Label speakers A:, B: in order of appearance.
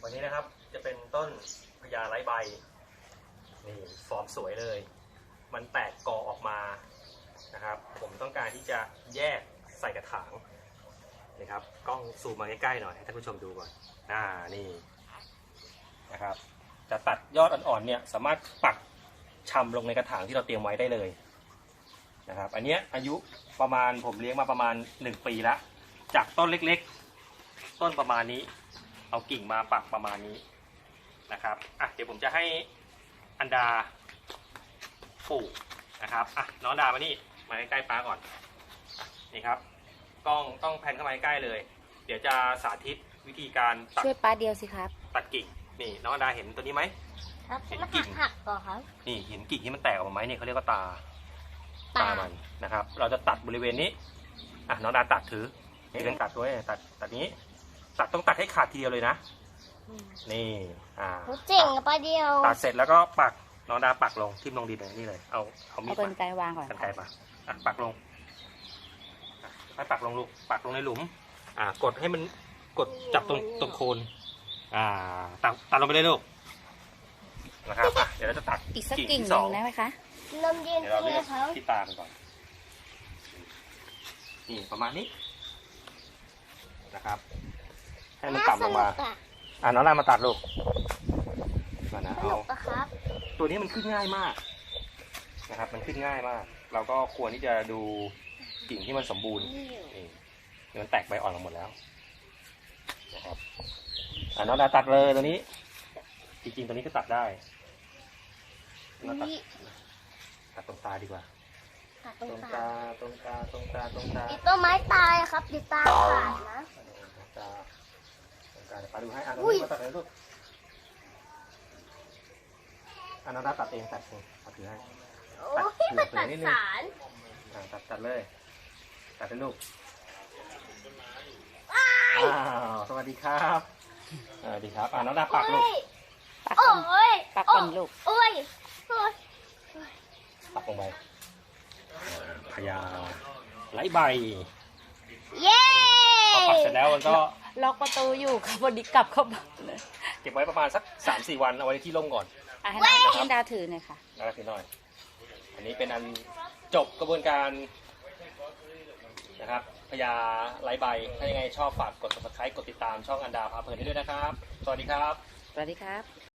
A: วันนี้นะครับจะเป็นต้นพญาไร้ใบนี่ฟอร์มสวยเลย มันแตกกอออกมานะครับผมต้องการที่จะแยกใส่กระถางนี่ครับกล้องซูมมาใกล้ๆหน่อยให้ท่านผู้ชมดูก่อนนี่นะครับจะตัดยอดอ่อนๆเนี่ยสามารถปักชำลงในกระถางที่เราเตรียมไว้ได้เลยนะครับอันนี้อายุประมาณผมเลี้ยงมาประมาณ1 ปีแล้วจากต้นเล็กๆต้นประมาณนี้เอากิ่งมาปักประมาณนี้นะครับเดี๋ยวผมจะให้อันดาปลูกนะครับน้องดามานี่มาใกล้ๆป้าก่อนนี่ครับกล้องต้องแพนเข้ามาใกล้เลยเดี๋ยวจะสาธิตวิธีการตัด
B: ช่วยป้าเดียวสิครับ
A: ตัดกิ่งนี่น้องอันดาเห็นตัวนี้ไหม
C: ครับ
A: เห็น
C: กิ่งหักก่อนครับ
A: นี่เห็นกิ่งที่มันแตกออกมาไหมนี่เขาเรียกว่าตามันนะครับเราจะตัดบริเวณนี้น้องดาตัดถือนี่เรื่องตัดด้วยตัดนี้ตัดต้องตัดให้ขาดทีเดียวเลยนะนี่
C: เจ๋งป้าเดียว
A: ตัดเสร็จแล้วก็ปักน้องดาปักลงทิ่มลงดินนี่เลยเอามีด
B: เอากรรไกรวางก่อน
A: กรรไกรมาปักลงให้ปักลงลูกปักลงในหลุมกดให้มันกดจับตรงโคนตัดลงไปเลยลูกนะครับเดี๋ยวเราจะตัด
B: อีกสักกิ่งหนึ่งได้ไหมคะ
C: ลมเย็น
A: เดี๋ยวเรา
C: เล
A: เลื
C: ย
A: อก
C: ครับ
A: ที่ตามันก่อนนี่ประมาณนี้นะครับให้มันต่ำลงมาน้องลามาตัดลูกมานะเอาตัวนี้มันขึ้นง่ายมากนะครับมันขึ้นง่ายมากเราก็ควรที่จะดูกิ่งที่มันสมบูรณ์นี่มันแตกใบอ่อนออกหมดแล้วนะครับน้องดาตัดเลยตัวนี้จริงๆตัวนี้ก็ตัดได้ตัดตรงตาดีกว่าตรงตา
C: อีต้นไม้ตายครับดิตาขาดนะ
A: ตาปาดูให้น้องมาตัดเลยลูกน้องดาตัดเองตัดถือให้
C: โอ้ยมันตัดสาร
A: ตัดเลยตัดเลยลูกสวัสดีครับสวัสดีครับน้องดาปักลูก
B: ปักก่อนลูก
C: โอ้ย
A: ปักลงไปพญาไร้ใบ
C: เย้
A: พอปักเสร็จแล้วมันก็
B: ล็อกประตูอยู่ครับวันนี้กลับเข้าบ้านเลย
A: เก็บไว้ประมาณสัก 3-4 วันเอาไว้ที่ร่มก่อน
B: ให้น้องดาถือหน่อยค่ะ
A: แล้วถือหน่อยอันนี้เป็นอันจบกระบวนการนะครับพญาไร้ใบถ้ายังไงชอบฝากกด subscribe กดติดตามช่องอันดาพาเพลินได้ด้วยนะครับสวัสดีครับ
B: สวัสดีครับ